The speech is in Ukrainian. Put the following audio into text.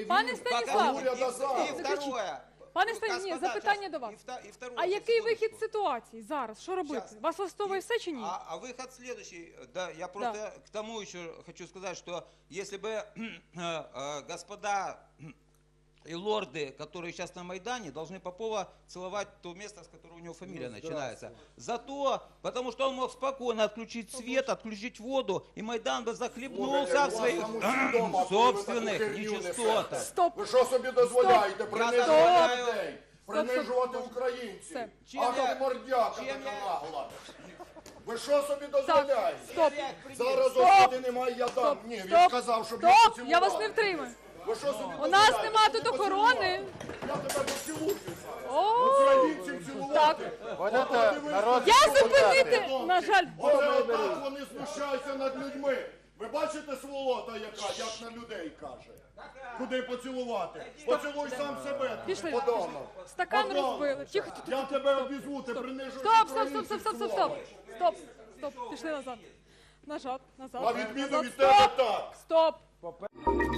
Пане Станіслав, И второе. Пане Станіслав, запитання до вас. А який вихід з ситуації зараз? Що робити? Вас влаштовує все чи ні? А выход следующий. Да, я просто к тому еще хочу сказать, что если бы господа и лорды, которые сейчас на Майдане, должны Попова целовать то место, с которого у него фамилия начинается. Зато, потому что он мог спокойно отключить свет, отключить воду, и Майдан бы захлебнулся в своих собственных нечистотах. Стоп! Ви що собі дозволяєте? Принижувати людей, принижувати українців. Чим А я- то мордяка чим така я- нагла. Ви що собі дозволяєте? Стоп! Зараз Стоп! господи немає, я дам. Ні, він Стоп! сказав, щоб я Стоп! поцілував. Я вас не втримаю. Ви що собі У нас дозволяєте? нема Щоб тут ти охорони. поцілував? Я тебе поцілую зараз. О, Українців цілувати. я зупинити, на жаль, Оце отак вони знущаються над людьми. Ви бачите сволота яка, як на людей каже? Куди поцілувати? Поцілуй сам себе. Пішли. Подонок. Стакан Подонок. розбили. Тихо, Я тебе обізву, ти принижуєш стоп, стоп, українців стоп, стоп, стоп, стоп, цілувати. стоп, стоп, стоп, пішли назад. Назад, назад. На відміну назад. від тебе Стоп! так. Стоп!